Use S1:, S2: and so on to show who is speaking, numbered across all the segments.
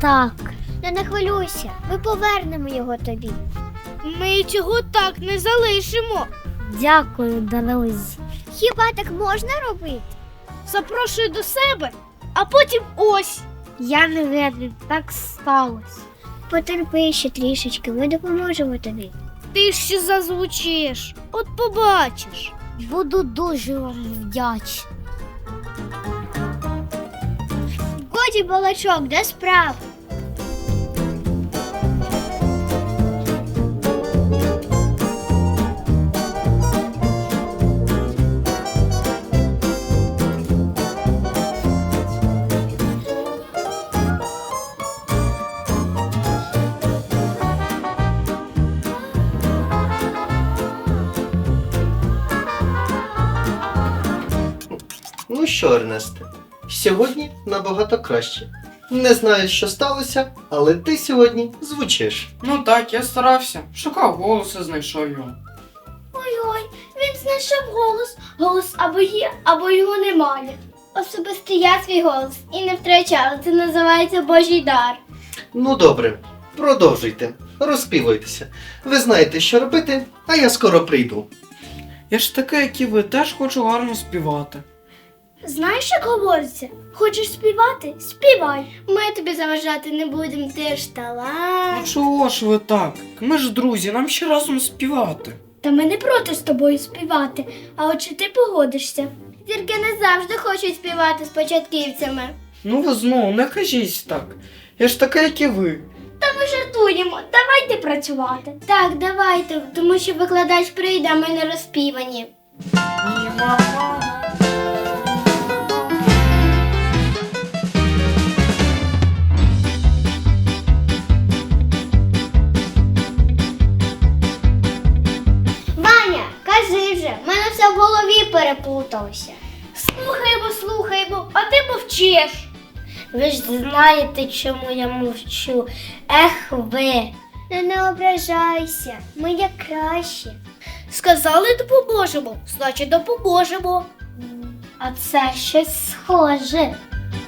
S1: Так. Не хвилюйся, ми повернемо його тобі.
S2: Ми цього так не залишимо.
S1: Дякую, друзі. Хіба так можна робити?
S2: Запрошую до себе, а потім ось.
S1: Я не винен, так сталося. Потерпи ще трішечки, ми допоможемо тобі.
S2: Ти ще зазвучиш, от побачиш.
S1: Буду дуже вдячний. Годі балачок, де справа?
S3: Ну що, Ернесте, сьогодні набагато краще. Не знаю, що сталося, але ти сьогодні звучиш.
S4: Ну так, я старався. Шукав голос і знайшов його.
S2: Ой-ой, він знайшов голос. Голос або є, або його немає. Особисто я свій голос і не втрачала. Це називається Божий дар.
S3: Ну добре, продовжуйте, розпівуйтеся. Ви знаєте, що робити, а я скоро прийду.
S4: Я ж такий, як і ви, теж хочу гарно співати.
S2: Знаєш, як говориться? Хочеш співати? Співай. Ми тобі заважати не будемо, ти ж талант.
S4: Ну чого ж ви так? Ми ж друзі, нам ще разом співати.
S2: Та ми не проти з тобою співати, а от чи ти погодишся? Зірки не завжди хочуть співати з початківцями.
S4: Ну ви знову, не кажіть так. Я ж така, як і ви.
S2: Та ми жартуємо, давайте працювати. Так, давайте, тому що викладач прийде, а ми не розпівані.
S4: Ні, мама.
S1: Ваня, кажи вже, в мене все в голові переплуталося.
S2: Слухаємо, а ти мовчиш.
S1: Ви ж знаєте, чому я мовчу. Ех ви. Не ображайся, ми як краще.
S2: Сказали допоможемо, значить допоможемо.
S1: А це щось схоже.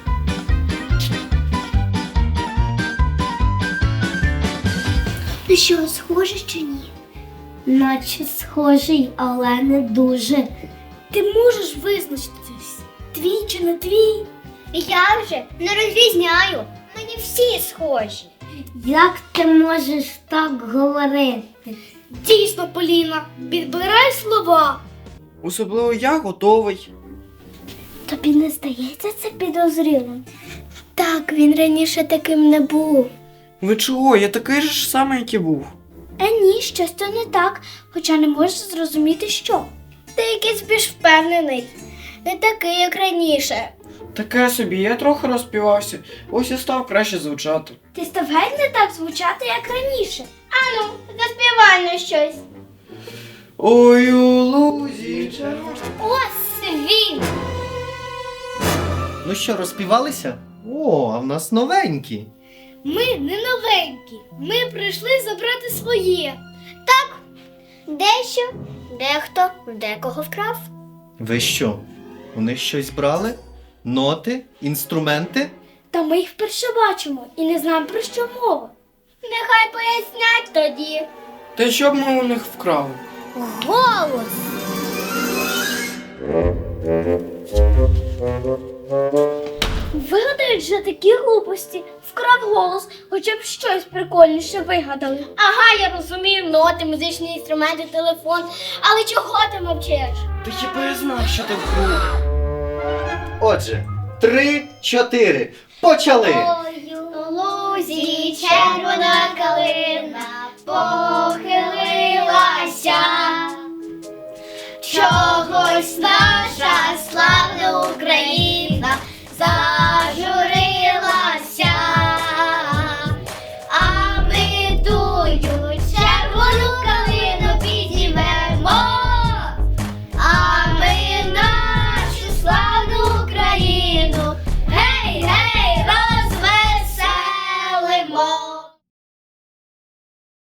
S1: Ну що, схоже чи ні? Наче схожий, але не дуже.
S2: Ти можеш визначитись, твій чи не твій?
S1: Я вже не розрізняю. Мені всі схожі. Як ти можеш так говорити?
S2: Дійсно, Поліна, підбирай слова.
S4: Особливо я готовий.
S1: Тобі не здається це підозрілим?
S2: Так, він раніше таким не був.
S4: Ви чого? Я такий же ж самий, як і був.
S2: Ні, щось то не так, хоча не можеш зрозуміти, що. Ти якийсь більш впевнений, не такий, як раніше.
S4: Таке собі, я трохи розпівався, ось і став краще звучати.
S2: Ти став геть не так звучати, як раніше. Ану, заспівай на щось.
S4: Ой, у лузі червоно.
S2: Ось він!
S3: Ну що, розпівалися? О, а в нас новенькі.
S2: Ми не новенькі, ми прийшли забрати своє.
S1: Дещо, дехто, декого вкрав.
S3: Ви що, у них щось брали? Ноти? Інструменти?
S2: Та ми їх вперше бачимо і не знаємо, про що мова. Нехай пояснять тоді.
S4: Та що б ми у них вкрали?
S1: Голос!
S2: Вигадають же такі глупості. Вкрав голос, хоча б щось прикольніше вигадали. Ага, я розумію, ноти, музичні інструменти, телефон. Але чого ти мовчиш?
S4: Та хіба я знав, що так буде?
S3: Отже, 3, 4. Почали!
S2: У лузі червона калина,